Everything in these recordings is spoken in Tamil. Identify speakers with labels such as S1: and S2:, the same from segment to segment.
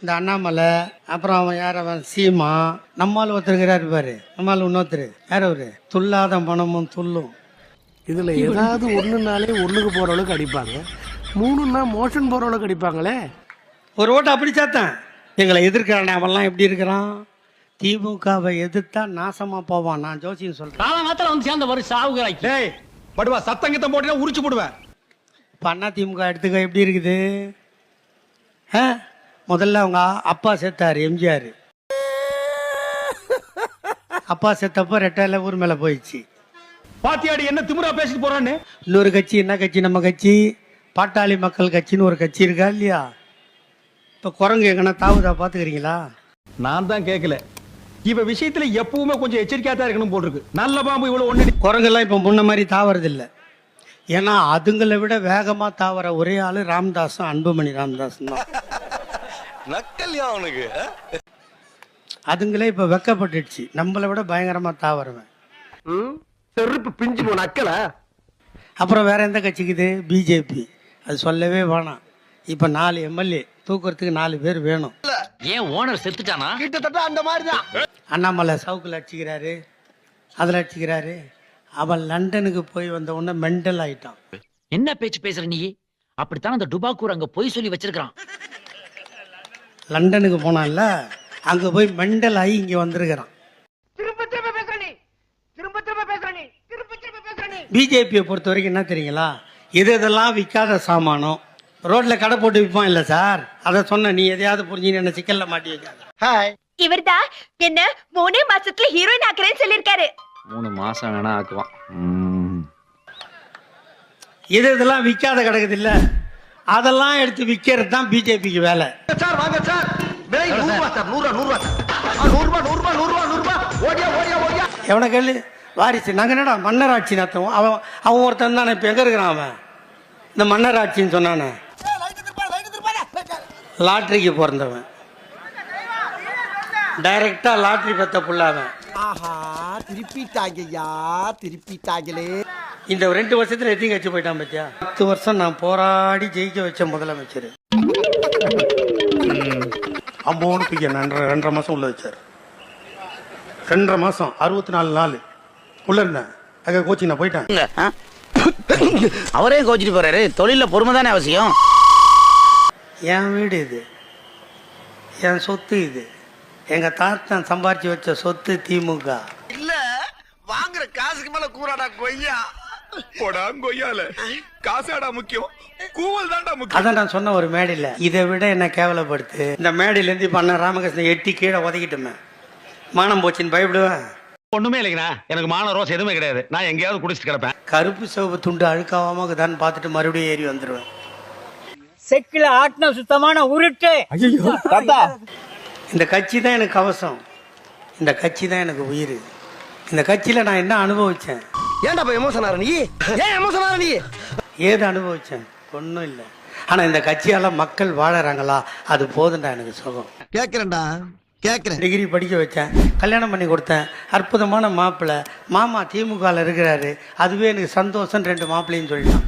S1: இந்த அண்ணாமலை, அப்புறம் அவன் யார், அவன் சீமா, நம்மால் ஒருத்தருக்கிறாரு பாரு, நம்மால் இன்னொருத்தர் யார் அவரு, துல்லாத மனமும் துள்ளும்.
S2: இதுல ஏதாவது ஒண்ணுனாலே ஒண்ணுக்கு போற அளவுக்கு அடிப்பாங்க, மூணுன்னா மோஷன் போற அளவுக்கு அடிப்பாங்களே.
S1: ஒரு ஓட்டு அப்படி சாத்தான். எங்களை எதிர்க்கிறானே அவன்லாம் எப்படி இருக்கிறான்? திமுகவை எதிர்த்தா நாசமா போவான். நான் ஜோசின்னு சொல்றேன்.
S3: காலங்காத்தால வந்து சேர்ந்த ஒரு சாவுகிறாய்.
S4: டேய் படுவா, சத்தங்கத்த போட்டா உரிச்சு போடுவேன்.
S1: இப்போ அண்ணா திமுக எடுத்துக்க எப்படி இருக்குது? முதல்ல அவங்க அப்பா செத்தார், எம்ஜிஆர். அப்பா செத்தப்போ ரெட்டையில ஊர் மேல போயிடுச்சு.
S4: பாத்தியாடி என்ன திமுறா பேசிட்டு போறான்னு.
S1: இன்னொரு கட்சி, என்ன கட்சி, நம்ம கட்சி பாட்டாளி மக்கள் கட்சின்னு ஒரு கட்சி இருக்கா இல்லையா? இப்போ குரங்கு எங்கன்னா தாவுதா பாத்துக்கிறீங்களா?
S4: நான் தான் கேட்கல. இவ விஷயத்துல எப்பவுமே கொஞ்சம் எச்சரிக்கையா தான் இருக்கணும் போட்டிருக்கு. நல்ல பாம்பு இவ்வளவு ஒண்ணு.
S1: குரங்கெல்லாம் இப்போ முன்ன மாதிரி தாவறது இல்லை. ஏன்னா அதுங்களை விட வேகமா தாவற ஒரே ஆளு ராமதாஸும் அன்புமணி ராமதாஸும் தான்.
S5: நக்கல்யா அவனுக்கு.
S1: அதுங்களே இப்ப வெக்கப்பட்டுடுச்சு, நம்மளை விட பயங்கரமா தாவறவன்.
S2: செருப்பு பிஞ்சு போன அக்கல.
S1: அப்புறம் வேற எந்த கட்சிக்குது? பிஜேபி. அது சொல்லவே வேணாம். இப்ப 4 எம்எல்ஏ தூக்குறதுக்கு 4 பேர் வேணும்.
S3: ஏன் ஓனர் செத்துட்டானா?
S2: கிட்டத்தட்ட அந்த மாதிரிதான்.
S1: அண்ணாமலை சவுக்குல அடிச்சுக்கிறாரு, அதுல அடிச்சுக்கிறாரு. அவன் லண்டனுக்கு போய் வந்த உடனே மெண்டல் ஆயிட்டான்.
S3: என்ன பேச்சு பேசுற நீ? அப்படித்தான் அந்த டுபாக்கூர் அங்க போய் சொல்லி வச்சிருக்கான்.
S1: லண்டனுக்கு போனான்ல, அங்க போய் மெண்டல் ஆகி இங்க வந்திருக்கிறான். பிஜேபியை பொறுத்த வரைக்கும் என்ன தெரியுங்களா? எதெல்லாம் விற்காத சாமானம் ரோட்ல கடை போட்டு விற்பான் இல்ல சார், அதை சொன்ன நீ எதையாவது புரிஞ்சு என்ன சிக்கல்ல மாட்டி வைக்காத.
S6: இவர்தான் என்ன 3 மாசத்துல ஹீரோயின் ஆக்குறேன்னு சொல்லிருக்காரு.
S3: 3 மாசம் வேணா ஆக்குவான்.
S1: எதெல்லாம் விற்காத கிடக்குது இல்ல, அதெல்லாம் எடுத்து விற்கிறது தான் பிஜேபிக்கு வேலை.
S2: சார் வாங்க சார், விலை 100 ரூபாய் சார், 100 ரூபாய் 100 ரூபாய் 100 ரூபாய் 100 ரூபாய் 100 ரூபாய். ஓடியா ஓடியா ஓடியா.
S1: எவனை கேளு, வாரிசு. நாங்க என்னடா மன்னராட்சி நடத்துவோம். அவன் ஒருத்தன் தானே இப்ப எங்க இருக்கிறான்? அவன் இந்த மன்னராட்சின்னு சொன்னானே, லாட்டரிக்கு பிறந்தவன், டைரக்டா லாட்டரி பெத்த புள்ளாவன்.
S2: ஆஹா, திருப்பிட்டாங்கய்யா, திருப்பிட்டாங்களே.
S1: இந்த 2 வருஷத்துல எத்தையும் கட்சி போயிட்டான் பத்தியா? 10 வருஷம் நான் போராடி ஜெயிக்க வச்ச முதலமைச்சர். அம்போன்னு தூக்கி 2.5 மாசம் உள்ள வச்சார். 2.5 மாசம் 64 நாள் உள்ள இருந்தேன். அங்க கோச்சிங் நான் போயிட்டேன்.
S7: அவரே கோச்சிட்டு போறாரு. தொழில பொறுமை தானே அவசியம்.
S1: என் வீடு இது, என் சொத்து இது, எங்க தாத்தன் சம்பாரிச்சு வச்ச சொத்து திமுக.
S2: இல்ல வாங்குற காசுக்கு மேல கூறாடா கொய்யா.
S5: போடா கொய்யால, காசாடா முக்கியம், கூவல் தான்டா முக்கியம்.
S1: அதான் நான் சொன்ன ஒரு மேடையில், இதை விட என்ன கேவலப்படுத்து. இந்த மேடையில இருந்து பண்ண ராமகிருஷ்ணன் எட்டி கீழே உதக்கிட்டுமே, மானம் போச்சுன்னு பயப்படுவேன்.
S4: ஒண்ணுமே இல்லைங்கண்ணா, எனக்கு மான ரோஸ் எதுவுமே கிடையாது. நான் எங்கேயாவது குடிச்சிட்டு கிடப்பேன்.
S1: கருப்பு சிவப்பு துண்டு அழுக்காவாம தான் பார்த்துட்டு மறுபடியும் ஏறி வந்துடுவேன்.
S3: செக்கில ஆட்டின சுத்தமான உருட்டு.
S1: இந்த கட்சி தான் எனக்கு கவசம், இந்த கட்சி தான் எனக்கு உயிர். இந்த கட்சியில நான் என்ன அனுபவிச்சேன்?
S2: ஏன்டா போய் எமோஷன் ஆற நீ? ஏன் எமோஷன் ஆற நீ?
S1: ஏது அனுபவிச்சேன்? ஒன்றும் இல்லை. ஆனா இந்த கட்சியால மக்கள் வாழறாங்களா, அது போதுண்டா எனக்கு சுகம்.
S2: கேக்குறேன்டா, கேக்குறேன்.
S1: டிகிரி படிக்க வச்சேன், கல்யாணம் பண்ணி கொடுத்தேன், அற்புதமான மாப்பிள்ளை, மாமா திமுகவில் இருக்கிறாரு, அதுவே எனக்கு சந்தோஷம். 2 மாப்பிள்ளைன்னு சொல்லிட்டான்.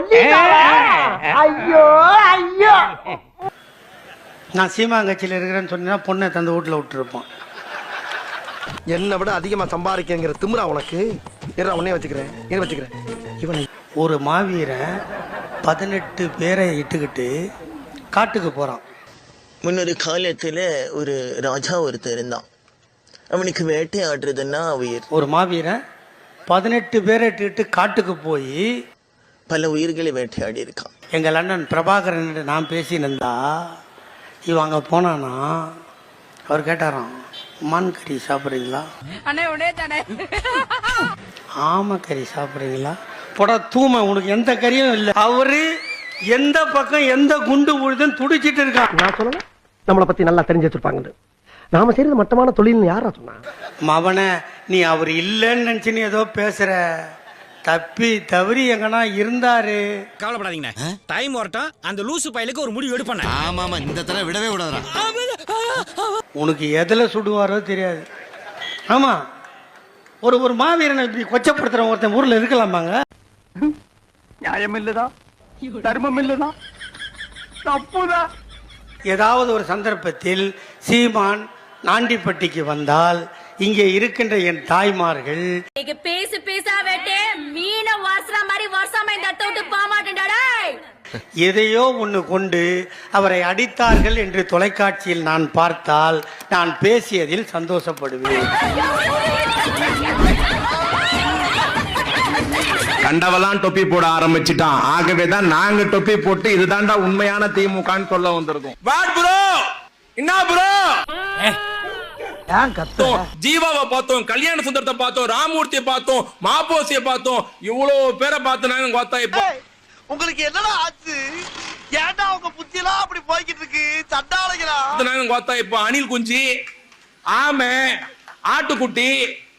S2: ஐயோ ஐயோ.
S1: நான் சீமாங்கட்சியில் இருக்கிறேன்னு சொன்னா பொண்ணை தந்து வீட்டில் விட்டுருப்பான்.
S2: என்னை விட அதிகமா சம்பாதிக்கிற திமிரா உனக்கு. உடனே வச்சுக்கிறேன், இவனை
S1: ஒரு மாவீரன் 18 பேரை இட்டுக்கிட்டு காட்டுக்கு போறான்.
S8: முன்னொரு காலத்துல ஒரு ராஜா ஒருத்தர் இருந்தான். அவனுக்கு வேட்டையாடுறதுன்னா உயிர்.
S1: ஒரு மாவீரன் 18 பேரை இட்டுக்கிட்டு காட்டுக்கு போய்
S8: பல உயிர்களை வேட்டையாடி இருக்கான்.
S1: எங்கள் அண்ணன் பிரபாகரன் நான் பேசினந்தா, இவன் அங்கே போனானா, அவர் கேட்டாராம், மான் கறி சாப்பிட்றீங்களா? ஆமை கறி சாப்பிட்றீங்களா? போட தூமை, உனக்கு எந்த கறியும் இல்லை. அவரு எந்த பக்கம் எந்த குண்டு உழுதுன்னு துடிச்சிட்டு இருக்கான்.
S2: நான் சொல்லல, நம்மளை பத்தி நல்லா தெரிஞ்சு வச்சிருப்பாங்க. நாம செய்யறது மட்டமான தொழில்னு யாரா சொன்னா?
S1: மவனை, நீ அவர் இல்லைன்னு நினைச்சுன்னு ஏதோ பேசுற. தப்பி தவறி எங்கன்னா இருந்தாரு.
S9: கவலைப்படாதீங்கண்ணே, டைம் வரட்டும், அந்த லூசு பயலுக்கு ஒரு முடிவு எடுப்பேன்.
S5: ஆமா ஆமா, இந்த தடவை விடவே விடாதா.
S1: உனக்கு எதுல சுடுவாரோ தெரியாது. ஆமா, ஒரு மாவீரனை இப்படி கொச்சப்படுத்துற ஒருத்தன் ஊர்ல இருக்கலாமாங்க?
S2: நியாயம் இல்லதான், தர்மம் இல்லதான், தப்புதான்.
S1: ஏதாவது ஒரு சந்தர்ப்பத்தில் சீமான் நாண்டிப்பட்டிக்கு வந்தால் இங்கே இருக்கின்ற என் தாய்மார்கள்
S6: பேசு பேசா வேட்டே மீன வாசன மாதிரி வருஷமா இந்த இடத்த விட்டு போக மாட்டேன்டா.
S1: எதையோ ஒன்று கொண்டு அவரை அடித்தார்கள் என்று தொலைக்காட்சியில் நான் பார்த்தால் நான் பேசியதில் சந்தோஷப்படுவேன்.
S5: கண்டவெல்லாம் தொப்பி போட ஆரம்பிச்சிட்டான். ஆகவேதான் நாங்க தொப்பி போட்டு இதுதான்டா உண்மையான திமுகன்னு சொல்ல வந்திருக்கோம். வாட் ப்ரோ, என்ன ப்ரோ? ஜீவாவை பார்த்தோம், கல்யாண சுந்தரத்தை பார்த்தோம், ராமூர்த்தியை பார்த்தோம், மாப்போசியை பார்த்தோம், இவ்வளவு பேரை பார்த்து நாங்க பார்த்தா இப்போ
S8: உங்களுக்கு என்னடா ஆச்சு? ஏன்டா உங்க புத்தியெல்லாம் அப்படி போய்கிட்டு இருக்கு? சண்டாளைகளா
S5: நாங்க பார்த்தா இப்போ அணில் குஞ்சு, ஆமை, ஆட்டுக்குட்டி.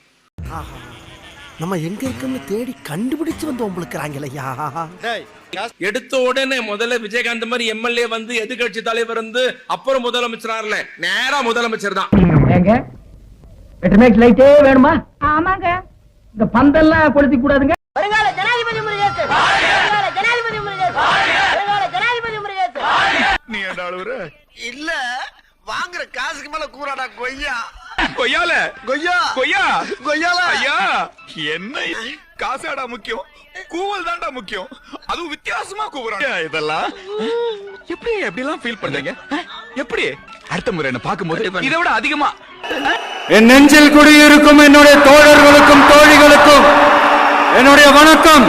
S2: நம்ம எங்க இருக்கோம்னு தேடி கண்டுபிடிச்சு வந்து உங்களுக்குறாங்களையா?
S5: எடுத்த உடனே முதல்ல விஜயகாந்த் மாதிரி எம்எல்ஏ வந்து எதிர்கட்சி தலைவர் வந்து அப்புறம் முதலமைச்சரார்ல நேரா முதலமைச்சர் தான்.
S3: ஏங்க வெட்டமேக் லைட்டே வேணுமா?
S6: ஆமாங்க.
S3: இந்த பந்தெல்லாம் கொளுத்தி கூடாதுங்க.
S6: வருங்கால ஜனாதிபதி முருகேசு, வருங்கால ஜனாதிபதி முருகேசு, வருங்கால ஜனாதிபதி முருகேசு.
S5: நீ என்ன அழுவுற?
S8: இல்ல, வாங்குற காசுக்கு மேல கூறாடா கொய்யா.
S5: கொய்யால
S8: கொய்யா
S5: கொய்யா
S8: கொய்யால
S5: ஐயா, என்ன காசாடா முக்கியம், கூவல் தான்டா முக்கியம். அதுவும் வித்தியாசமா கூவுறாங்க. இதெல்லாம் எப்படி எப்படிலாம் ஃபீல் பண்றீங்க? எப்படி அடுத்த முறை என்ன பாக்கும்போது இதை விட அதிகமா
S4: என் நெஞ்சில் குடியிருக்கும் என்னுடைய தோழர்களுக்கும் தோழிகளுக்கும் என்னுடைய வணக்கம்.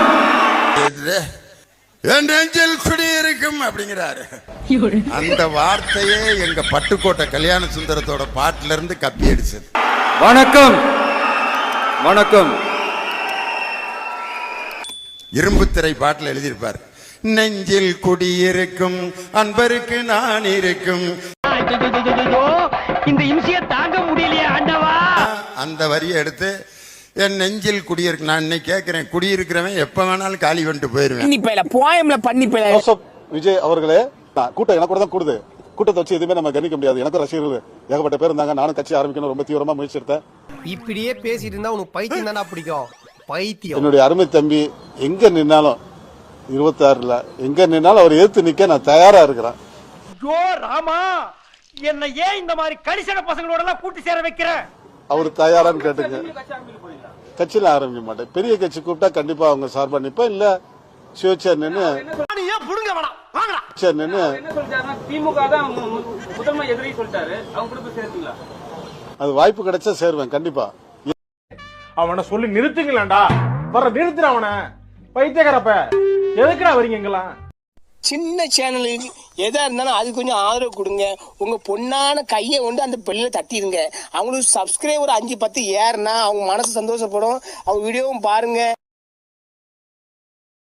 S10: என் நெஞ்சில் குடியிருக்கும் அப்படிங்கிறாரு. அந்த வார்த்தையே எங்க பட்டுக்கோட்டை கல்யாண சுந்தரத்தோட பாட்டுல இருந்து கப்பி அடிச்சது.
S4: வணக்கம் வணக்கம்.
S10: இரும்பு திரை பாட்டுல எழுதியிருப்பார், நெஞ்சில் குடியிருக்கும் அன்பருக்கு நான் இருக்கும்.
S3: இந்த இம்சியை தாங்க முடியலையே ஆண்டவா.
S10: அந்த வரியை எடுத்து என் நெஞ்சில் குடியிருக்கு. நான் இன்னைக்கு கேட்கிறேன், குடியிருக்கிறவன் எப்ப வேணாலும் காலி வந்துட்டு போயிருவேன்.
S11: விஜய் அவர்களே, கூட்டம் எனக்கு கூட தான் கூடுது. கூட்டத்தை வச்சு எதுவுமே நம்ம கணிக்க முடியாது. எனக்கு ரசிகர்கள் ஏகப்பட்ட பேர் இருந்தாங்க. நானும் கட்சி ஆரம்பிக்கணும் ரொம்ப தீவிரமா முயற்சி எடுத்தேன்.
S2: இப்படியே பேசிட்டு இருந்தா உனக்கு பைத்தியம் தானே பிடிக்கும்? பைத்தியம்.
S11: என்னுடைய அருமை தம்பி எங்க நின்னாலும் 26ல எங்க நின்னாலும் அவர் எதிர்த்து நிக்க நான் தயாரா இருக்கிறேன்.
S4: ஐயோ ராமா, என்ன ஏன் இந்த மாதிரி கரிசன பசங்களோட எல்லாம் கூட்டி சேர வைக்கிற?
S11: அவர் தயாரான்னு கேட்டுங்க. கட்சியில ஆரம்பிக்க மாட்டேன். பெரிய கட்சி கூப்பிட்டா கண்டிப்பா அவங்க சார்பா நிப்பேன். இல்ல சுயேட்சை நின்னு அது வாய்ப்பு கிடைச்சா சேருவேன் கண்டிப்பா.
S4: அவனை சொல்லி நிறுத்துங்களேன்டா. வர நிறுத்துற அவனை. பைத்தியக்காரப்ப எதுக்குடா வரீங்க எங்கெல்லாம்?
S2: சின்ன சேனலுக்கு எதா இருந்தாலும் அது கொஞ்சம் ஆதரவு கொடுங்க. உங்க பொண்ணான கையை கொண்டு அந்த பெல்லில தட்டிடுங்க. அவங்களுக்கு சப்ஸ்கிரைபர் 5-10 ஏறுனா அவங்க மனசு சந்தோஷப்படும். அவங்க வீடியோவும் பாருங்க.